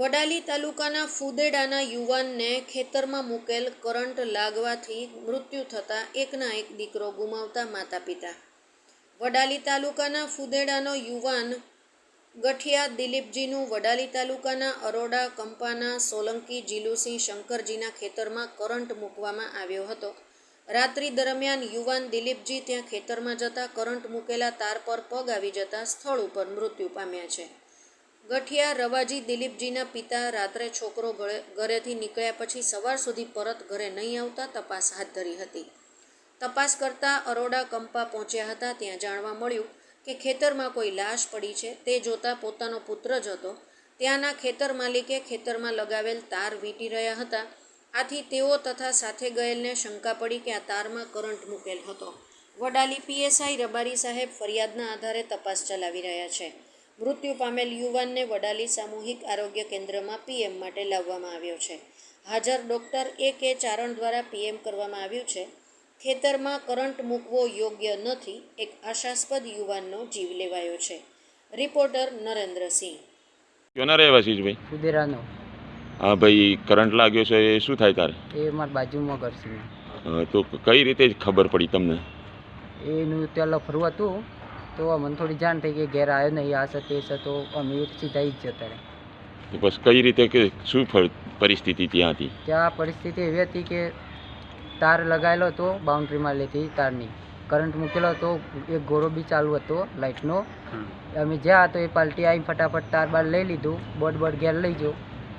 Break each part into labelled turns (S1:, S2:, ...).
S1: વડાલી તાલુકાના ફુદેડાના યુવાનને ખેતરમાં મૂકેલ કરંટ લાગવાથી મૃત્યુ થતાં એકના એક દીકરો ગુમાવતા માતા પિતા. વડાલી તાલુકાના ફુદેડાનો યુવાન ગઠિયા દિલીપજીનું વડાલી તાલુકાના અરોડા કંપાના સોલંકી જીલુસિંહ શંકરજીના ખેતરમાં કરંટ મૂકવામાં આવ્યો હતો. રાત્રિ દરમિયાન યુવાન દિલીપજી ત્યાં ખેતરમાં જતા કરંટ મૂકેલા તાર પર પગ આવી જતા સ્થળ ઉપર મૃત્યુ પામ્યા છે. ગઠિયા રવાજી દિલીપજીના પિતા રાત્રે છોકરો ઘરેથી નીકળ્યા પછી સવાર સુધી પરત ઘરે નહીં આવતા તપાસ હાથ ધરી હતી. તપાસ કરતા અરોડા કંપા પહોંચ્યા હતા. ત્યાં જાણવા મળ્યું કે ખેતરમાં કોઈ લાશ પડી છે. તે જોતા પોતાનો પુત્ર જ હતો. ત્યાંના ખેતર માલિકે ખેતરમાં લગાવેલ તાર વીંટી રહ્યા હતા. આથી તેઓ તથા સાથે ગયેલને શંકા પડી કે આ તારમાં કરંટ મૂકેલ હતો. વડાલી પીએસઆઈ રબારી સાહેબ ફરિયાદના આધારે તપાસ ચલાવી રહ્યા છે. મૃત્યુ પામેલ યુવાનને વડાલી સામૂહિક આરોગ્ય કેન્દ્રમાં પીએમ માટે લાવવામાં આવ્યો છે. હાજર ડૉક્ટર A.K. ચારણ દ્વારા પીએમ કરવામાં આવ્યું છે. ખેતરમાં કરંટ મૂકવો યોગ્ય નથી. એક આશાસ્પદ યુવાનનો જીવ લેવાયો છે. રિપોર્ટર નરેન્દ્રસિંહ.
S2: ક્યોના રહેવાસી છે ભાઈ?
S3: ફુદેરાનો.
S2: હા ભાઈ, કરંટ લાગ્યો છે એ શું થાય તારે?
S3: એ મારા બાજુમાં ઘર છે.
S2: તો કઈ રીતે ખબર પડી તમને?
S3: એનું ત્યાં લફરું હતું તો મને થોડી જાણ થઈ કે ઘેર આવ્યો નહીં, આ છે તે છે, તો અમે સીધા જ જતા રહ્યા.
S2: તો બસ કઈ રીતે કે શું પરિસ્થિતિ ત્યાં હતી?
S3: ત્યાં પરિસ્થિતિ એવી હતી કે તાર લગાવેલો હતો બાઉન્ડ્રીમાં લેતી તારની, કરંટ મૂકેલો હતો, એક ગોળો બી ચાલુ હતો લાઇટનો. અમે જ્યાં તો એ પાલટી આવી ફટાફટ તાર બાર લઈ લીધું, બોર્ડ ઘેર લઈ ગયો.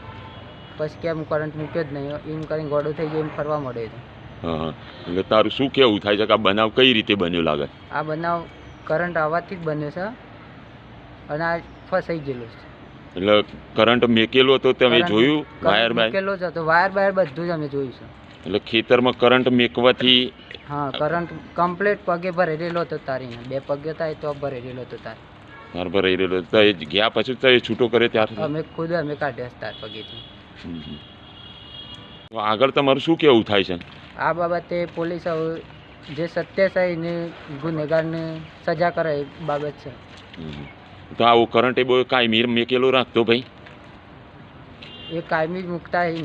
S3: પછી કેમ કરંટ મૂક્યો જ નહીં એમ કરીને ગોળો થઈ ગયો, એમ ફરવા મળ્યો હતો.
S2: હા, એટલે તારું શું કેવું થાય છે કે આ બનાવ કઈ રીતે બન્યો લાગે?
S3: આ બનાવ કરંટ આવવાથી જ બન્યો છે અને આ ફસાઈ ગયેલું છે.
S2: એટલે કરંટ મેકેલો હતો તમે જોયું? વાયર
S3: મેકેલો જ હતો, વાયર બધું જ અમે જોયું છે.
S2: એટલે ખેતરમાં કરંટ મેકવાથી?
S3: હા, કરંટ કમ્પ્લીટ પગે ભરેલો હતો તારીને, 2 પગ હતા તો ભરેલો હતો તાર
S2: ભરેલો. તો એ ગયા પછી તો એ છૂટો કરે ત્યારે
S3: અમે ખુદ કાઢ્યા તાર પગેથી.
S2: આગળ તમારું શું કેવું થાય છે
S3: આ બાબતે? પોલીસ જે સત્ય છે એને ગુનેગારને સજા કરે એ બાબત છે.
S2: તો આવું કરંટ એ બહુ કાયમી મેકેલો રાખતો ભાઈ?
S3: એ કાયમી જ મૂકતા એ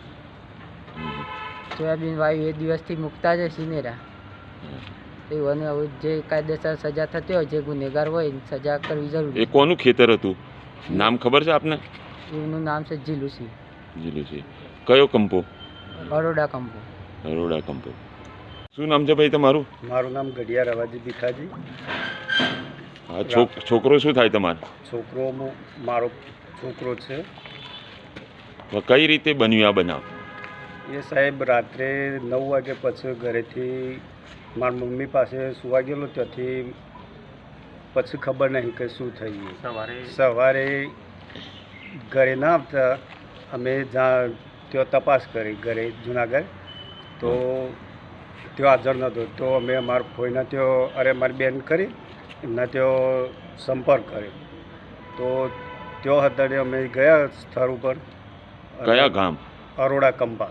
S3: સોયાબીન વાયુ એ દિવસથી મૂકતા જ સિનેરા. એવું હવે જે કાયદેસર સજા થતી હોય, જે ગુનેગાર હોય એની સજા કરવી જરૂરી.
S2: એ કોનું ખેતર હતું? નામ ખબર છે આપને?
S3: એનું નામ છે જીલુસિંહ.
S2: જીલુસિંહ. કયો કંપો?
S3: અરોડા કંપો.
S2: અરોડા કંપો. શું નામ છે ભાઈ તમારું?
S4: મારું નામ ગઢિયા રવાજી ભીખાજી.
S2: હા, છોકરો શું થાય તમારે?
S4: છોકરો મારો છોકરો છે.
S2: કઈ રીતે બન્યું આ બનાવ?
S4: એ સાહેબ રાત્રે 9 વાગે પછી ઘરેથી મારા મમ્મી પાસે સુવા ગયેલો. ત્યાંથી પછી ખબર નહીં કે શું થયું. સવારે ઘરે ના આવતા અમે ત્યાં તપાસ કરી ઘરે જુનાગઢ, તો ત્યાં હાજર નહોતો. તો અમે અમારા ફોઈના ત્યાં મારી બેન કરી એમના ત્યાં સંપર્ક કર્યો. તો ત્યાં હતા અમે ગયા સ્થળ ઉપર.
S2: કયા ગામ?
S4: અરોડા કંપા.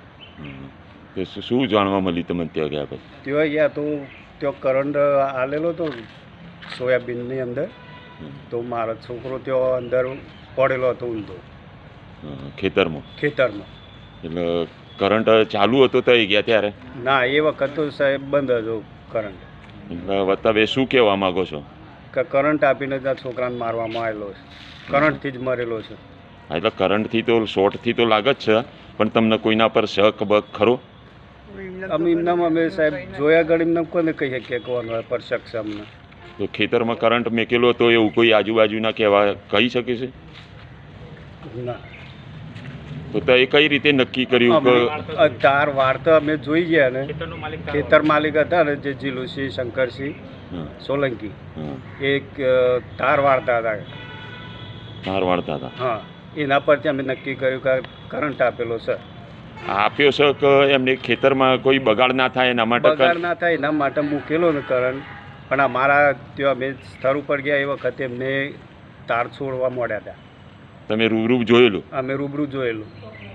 S2: શું જાણવા મળ્યું તમને ત્યાં ગયા પછી?
S4: ત્યાં ગયા તો ત્યાં કરંટ આલેલો હતો સોયાબીનની અંદર. તો મારો છોકરો ત્યાં અંદર પડેલો હતો ઊંધો
S2: ખેતરમાં.
S4: એટલે
S2: કરંટ ચાલુ હતો તો એ ગયા ત્યારે?
S4: ના, એ વખત તો સાહેબ બંધ હતો કરંટ.
S2: એટલે તમે શું કહેવા માગો છો?
S4: કે કરંટ આપીને ત્યાં છોકરાને મારવામાં આવેલો છે, કરંટથી જ મરેલો છે.
S2: એટલે કરંટથી તો શોર્ટથી તો લાગે જ છે, પણ તમને કોઈના પર શક બક ખરો?
S4: અમે સાહેબ જોયા ઘડી એમને કોને કહી શકીએ કોનો પર શક છે અમને.
S2: તો ખેતરમાં કરંટ મેકેલો હતો એવું કોઈ આજુબાજુના કહેવા કહી શકે છે?
S4: ના.
S2: તો એ કઈ રીતે નક્કી કર્યું કે
S4: તાર વાળતા અમે જોઈ ગયા ને? ખેતર માલિક હતા ને જે જીલુસિંહ શંકરસિંહ સોલંકી, એક તાર વાળતા હતા. હા, એના પરથી અમે નક્કી કર્યું કે કરંટ આપેલો છે.
S2: આપ્યો છે કે એમને ખેતરમાં કોઈ બગાડ ના થાય એના માટે?
S4: બગાડ ના થાય એના માટે મૂકેલો ને કરંટ. પણ અમારા ત્યાં અમે સ્થળ ઉપર ગયા એ વખતે એમને તાર છોડવા મળ્યા હતા.
S2: તમે રૂબરૂ જોયેલું?
S4: અમે રૂબરૂ જોયેલું.